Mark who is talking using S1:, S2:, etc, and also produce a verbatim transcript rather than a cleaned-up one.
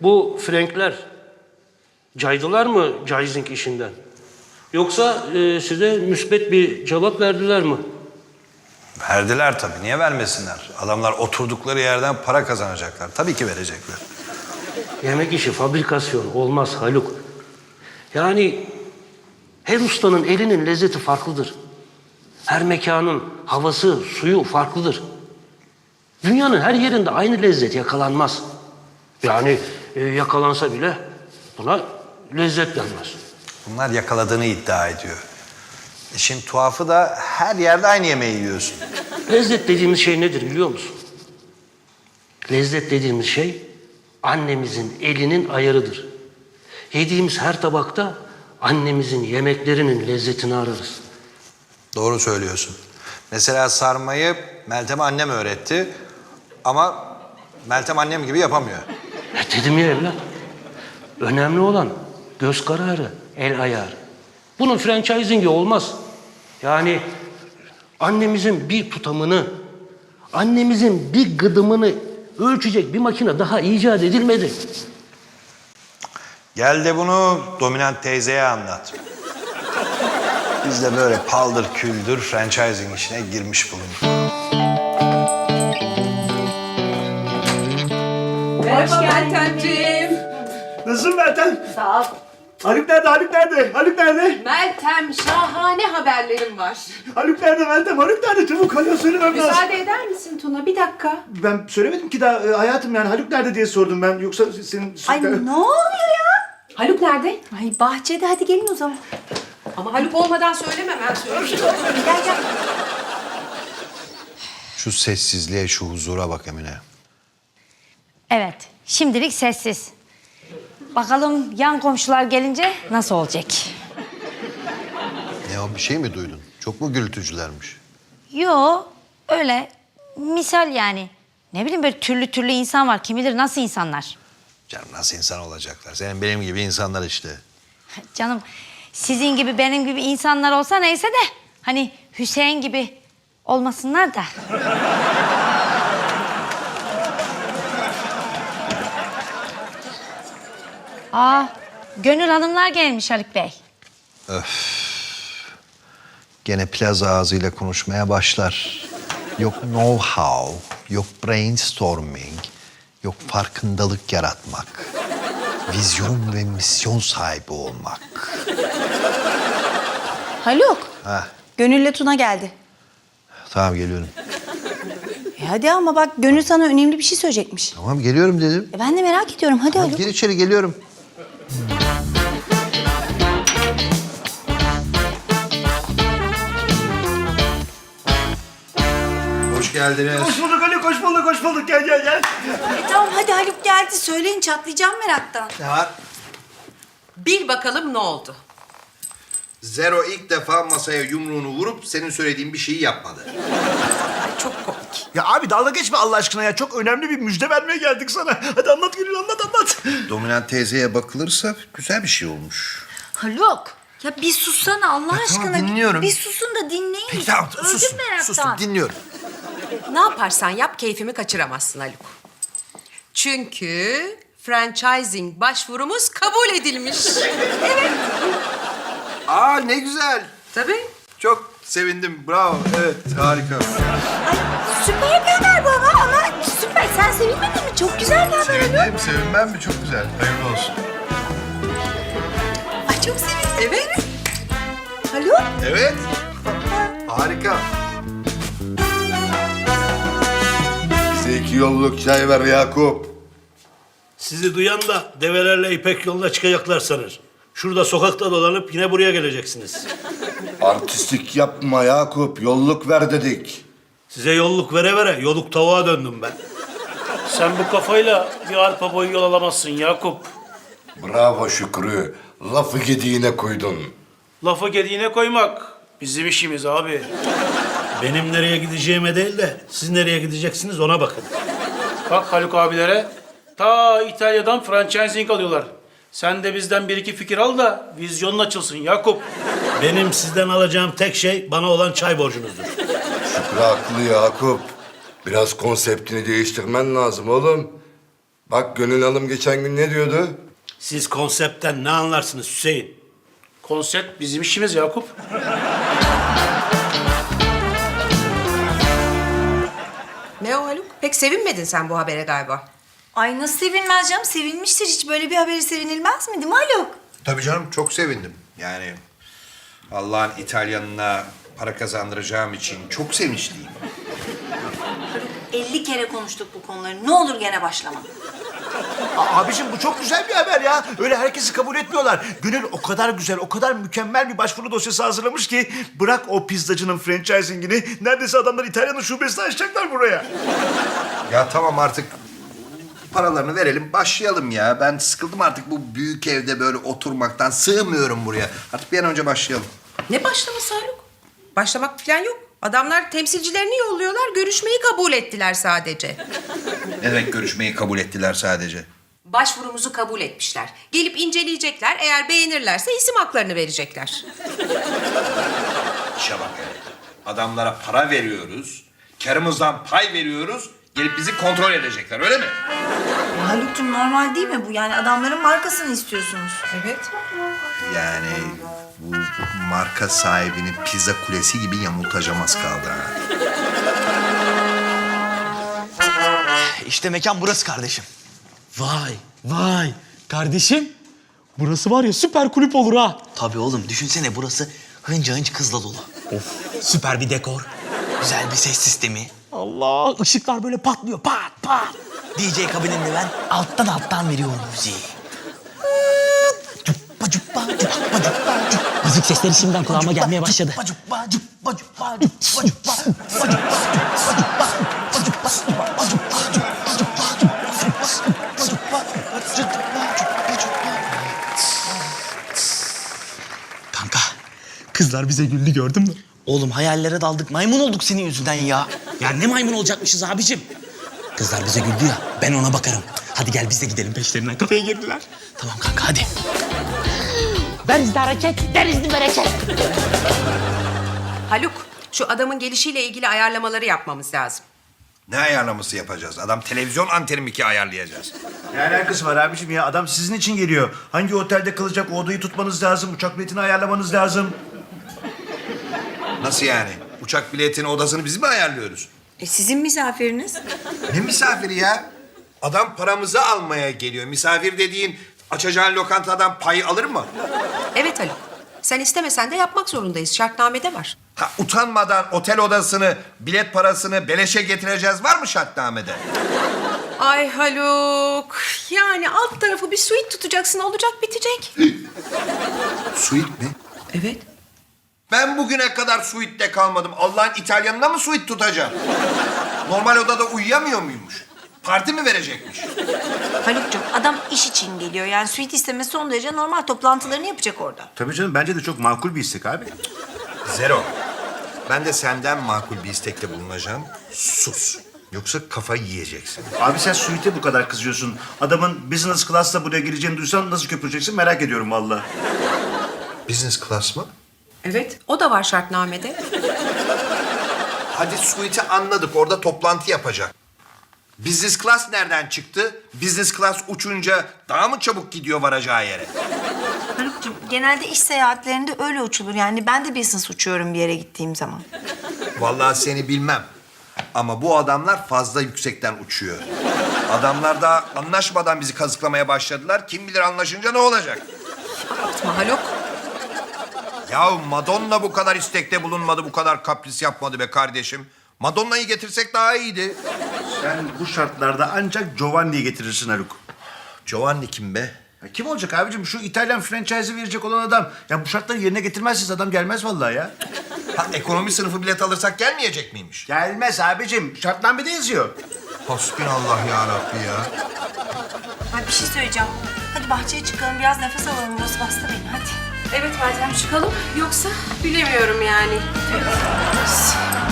S1: Bu Frankler caydılar mı Caizing işinden? Yoksa e, size müsbet bir cevap verdiler mi?
S2: Verdiler tabii. Niye vermesinler? Adamlar oturdukları yerden para kazanacaklar. Tabii ki verecekler.
S1: Yemek işi fabrikasyon olmaz Haluk. Yani her ustanın elinin lezzeti farklıdır. Her mekanın havası, suyu farklıdır. Dünyanın her yerinde aynı lezzet yakalanmaz. Yani e, yakalansa bile buna lezzet denmez.
S2: Bunlar yakaladığını iddia ediyor. İşin tuhafı da her yerde aynı yemeği yiyorsun.
S1: Lezzet dediğimiz şey nedir biliyor musun? Lezzet dediğimiz şey annemizin elinin ayarıdır. Yediğimiz her tabakta annemizin yemeklerinin lezzetini ararız.
S2: Doğru söylüyorsun. Mesela sarmayı Meltem annem öğretti. Ama Meltem annem gibi yapamıyor.
S1: E dedim ya evlat. Önemli olan göz kararı, el ayarı. Bunun franchising'i olmaz. Yani annemizin bir tutamını, annemizin bir gıdımını ölçecek bir makine daha icat edilmedi.
S2: Gel de bunu dominant teyzeye anlat. Biz de böyle paldır küldür franchising işine girmiş bulunduk.
S3: Hoş Meltemciğim.
S4: Nasılsın Meltem?
S3: Sağ ol.
S4: Haluk nerede? Haluk nerede? Haluk nerede?
S3: Meltem, şahane haberlerim var.
S4: Haluk nerede Meltem? Haluk nerede? Çabuk Haluk'a söylemem lazım.
S3: Müsaade eder misin Tuna? Bir dakika.
S4: Ben söylemedim ki daha e, hayatım yani Haluk nerede diye sordum ben. Yoksa senin...
S5: Ay ne oluyor ya?
S3: Haluk nerede?
S5: Ay bahçede, hadi gelin o zaman.
S3: Ama Haluk olmadan söylemem, ben söyleyeyim.
S5: Gel gel.
S2: Şu sessizliğe, şu huzura bak Emine.
S6: Evet, şimdilik sessiz. Bakalım yan komşular gelince nasıl olacak?
S2: Ne o, bir şey mi duydun? Çok mu gürültücülermiş?
S6: Yo, öyle misal yani. Ne bileyim böyle türlü türlü insan var. Kim bilir nasıl insanlar.
S2: Canım nasıl insan olacaklar? Senin benim gibi insanlar işte.
S6: Canım sizin gibi benim gibi insanlar olsa neyse de... ...hani Hüseyin gibi olmasınlar da. Aa, Gönül Hanımlar gelmiş Haluk Bey.
S2: Gene plaza ağzıyla konuşmaya başlar. Yok know-how, yok brainstorming, yok farkındalık yaratmak. Vizyon ve misyon sahibi olmak.
S5: Haluk,
S2: Ha,
S5: Gönül'le Tuna geldi.
S2: tamam geliyorum.
S5: E hadi ama bak Gönül sana önemli bir şey söyleyecekmiş.
S2: Tamam geliyorum dedim.
S5: E ben de merak ediyorum, hadi
S2: Tamam,
S5: Haluk.
S2: gir içeri geliyorum. Hoş geldiniz.
S4: Hoş bulduk Haluk, hoş bulduk, hoş bulduk. Gel gel gel.
S5: E tamam hadi Haluk geldi, söyleyin çatlayacağım meraktan.
S2: Ne var?
S3: Bil bakalım ne oldu?
S2: Zero ilk defa masaya yumruğunu vurup senin söylediğin bir şeyi yapmadı.
S3: Ay, çok komik.
S4: Ya abi dalga geçme Allah aşkına ya. Çok önemli bir müjde vermeye geldik sana. Hadi anlat Gönül, anlat anlat.
S2: Dominant teyzeye bakılırsa güzel bir şey olmuş.
S5: Haluk, ya bir sussana Allah
S2: Ya tamam,
S5: aşkına.
S2: dinliyorum.
S5: Bir susun da dinleyin.
S2: Peki tamam
S5: Öldüm
S2: sustum,
S5: meraktan.
S2: sustum dinliyorum.
S3: Ne yaparsan yap keyfimi kaçıramazsın Haluk. Çünkü franchising başvurumuz kabul edilmiş. Evet.
S2: Aa ne güzel.
S3: Tabii.
S2: Çok sevindim. Bravo. Evet harika.
S5: Ay süper bir haber bu ama ama süper. Sen sevinmedin mi? Çok güzel bir haber Haluk.
S2: Sevindim, sevinmem mi? Çok güzel. Hayırlı olsun.
S5: Ay çok sevindim.
S3: Evet.
S5: Haluk.
S2: Evet. Harika.
S7: Bize iki yolluk çay ver Yakup.
S8: Sizi duyan da develerle İpek yoluna çıkacaklar sanır. Şurada sokakta dolanıp yine buraya geleceksiniz.
S7: Artistlik yapma Yakup. Yolluk ver dedik.
S8: Size yolluk vere vere yoluk tavuğa döndüm ben. Sen bu kafayla bir arpa boyu yol alamazsın Yakup.
S7: Bravo Şükrü. Lafı gediğine koydun.
S8: Lafı gediğine koymak bizim işimiz abi. Benim nereye gideceğime değil de siz nereye gideceksiniz ona bakın. Bak Haluk abilere ta İtalya'dan franchising alıyorlar. Sen de bizden bir iki fikir al da vizyonun açılsın Yakup. Benim sizden alacağım tek şey bana olan çay borcunuzdur.
S7: Şükrü haklı Yakup. Biraz konseptini değiştirmen lazım oğlum. Bak Gönül Hanım geçen gün ne diyordu?
S8: Siz konseptten ne anlarsınız Hüseyin? Konsept bizim işimiz Yakup.
S3: Ne o Haluk? Pek sevinmedin sen bu habere galiba.
S5: Ay nasıl sevinmez canım? Sevinmiştir. Hiç böyle bir haberi sevinilmez mi değil mi Haluk?
S2: Tabii canım çok sevindim. Yani Allah'ın İtalyanına para kazandıracağım için çok sevinçliyim.
S5: elli kere konuştuk bu konuları. Ne olur gene başlama.
S4: A- Abicim bu çok güzel bir haber ya. Öyle herkesi kabul etmiyorlar. Gönül o kadar güzel, o kadar mükemmel bir başvuru dosyası hazırlamış ki... ...bırak o pizzacının franchisingini, neredeyse adamlar İtalya'nın şubesini açacaklar buraya.
S2: Ya tamam artık paralarını verelim başlayalım ya. Ben sıkıldım artık bu büyük evde böyle oturmaktan. Sığmıyorum buraya. Artık bir an önce başlayalım.
S3: Ne başlaması Haluk? Başlamak falan yok. Adamlar temsilcilerini yolluyorlar, görüşmeyi kabul ettiler sadece.
S2: Ne demek görüşmeyi kabul ettiler sadece?
S3: Başvurumuzu kabul etmişler. Gelip inceleyecekler, eğer beğenirlerse isim haklarını verecekler.
S2: İşe bak ya. Adamlara para veriyoruz. Karımızdan pay veriyoruz. Gelip bizi kontrol edecekler öyle mi?
S5: Haluk'cum normal değil mi bu? Yani adamların markasını istiyorsunuz.
S3: Evet.
S2: Yani bu marka sahibini pizza kulesi gibi yamultacağım az kaldı ha.
S9: İşte mekan burası kardeşim.
S10: Vay vay kardeşim. Burası var ya süper kulüp olur ha.
S9: Tabii oğlum düşünsene burası hınca hınç kızla dolu. Of süper bir dekor. Güzel bir ses sistemi.
S10: Allah ışıklar böyle patlıyor pat pat.
S9: D J kabininde ben alttan alttan veriyorum müziği. Cuppa cuppa cuppa cuppa cuppa.
S10: Müzik sesleri şimdiden kulağıma gelmeye başladı.
S9: Cuppa cuppa cuppa cuppa cuppa cuppa cuppa cuppa cuppa
S10: Kanka kızlar bize güldü gördün mü?
S9: Oğlum hayallere daldık maymun olduk senin yüzünden ya.
S10: Ya ne maymun olacakmışız abicim. Kızlar bize güldü ya ben ona bakarım. Hadi gel biz de gidelim peşlerinden kafeye girdiler.
S9: Tamam kanka hadi.
S10: Denizli hareket, denizli bereket.
S3: Haluk, şu adamın gelişiyle ilgili ayarlamaları yapmamız lazım.
S2: Ne ayarlaması yapacağız? Adam televizyon anteni mi ki ayarlayacağız?
S4: Ne alakası var abicim ya? Adam sizin için geliyor. Hangi otelde kalacak o odayı tutmanız lazım. Uçak biletini ayarlamanız lazım.
S2: Nasıl yani? Uçak biletini, odasını biz mi ayarlıyoruz?
S5: E sizin misafiriniz.
S2: Ne misafiri ya? Adam paramızı almaya geliyor. Misafir dediğin açacağın lokantadan pay alır mı?
S3: Evet Haluk, sen istemesen de yapmak zorundayız. Şartnamede var.
S2: Ha, utanmadan otel odasını, bilet parasını beleşe getireceğiz var mı şartnamede?
S3: Ay Haluk, yani alt tarafı bir suite tutacaksın, olacak bitecek.
S2: Suite mi?
S3: Evet.
S2: Ben bugüne kadar suite'de kalmadım. Allah'ın İtalyanına mı suite tutacağım? Normal odada uyuyamıyor muymuş? Parti mi verecekmiş?
S5: Haluk'cum adam iş için geliyor. Yani suite istemesi son derece normal. Toplantılarını yapacak orada.
S4: Tabii canım bence de çok makul bir istek abi.
S2: Zero. Ben de senden makul bir istekte bulunacağım. Sus. Yoksa kafayı yiyeceksin.
S4: Abi sen suite'e bu kadar kızıyorsun. Adamın business class'la buraya gireceğini duysan nasıl köpüreceksin merak ediyorum vallahi.
S2: Business class mı?
S3: Evet, o da var şartnamede.
S2: Hadi suite'i anladık. Orada toplantı yapacak. Business class nereden çıktı? Business class uçunca daha mı çabuk gidiyor varacağı yere?
S5: Haluk'cum genelde iş seyahatlerinde öyle uçulur. Yani ben de business uçuyorum bir yere gittiğim zaman.
S2: Vallahi seni bilmem. Ama bu adamlar fazla yüksekten uçuyor. Adamlar da anlaşmadan bizi kazıklamaya başladılar. Kim bilir anlaşınca ne olacak?
S3: Abartma Haluk.
S2: Ya Madonna bu kadar istekte bulunmadı, bu kadar kapris yapmadı be kardeşim. Madonna'yı getirsek daha iyiydi.
S4: Sen bu şartlarda ancak Giovanni'yi getirirsin Haluk.
S2: Giovanni kim be?
S4: Ya kim olacak abicim? Şu İtalyan franchise'i verecek olan adam. Ya bu şartları yerine getirmezseniz adam gelmez vallahi ya.
S2: Ha, ekonomi sınıfı bilet alırsak gelmeyecek miymiş?
S4: Gelmez abicim. Şartnamede yazıyor.
S2: Hasbinallah ya Rabbi ya.
S5: Ay bir şey söyleyeceğim. Hadi bahçeye çıkalım biraz nefes alalım. Burası bastı beni hadi.
S3: Evet Meltem, çıkalım. Yoksa bilemiyorum yani. Evet.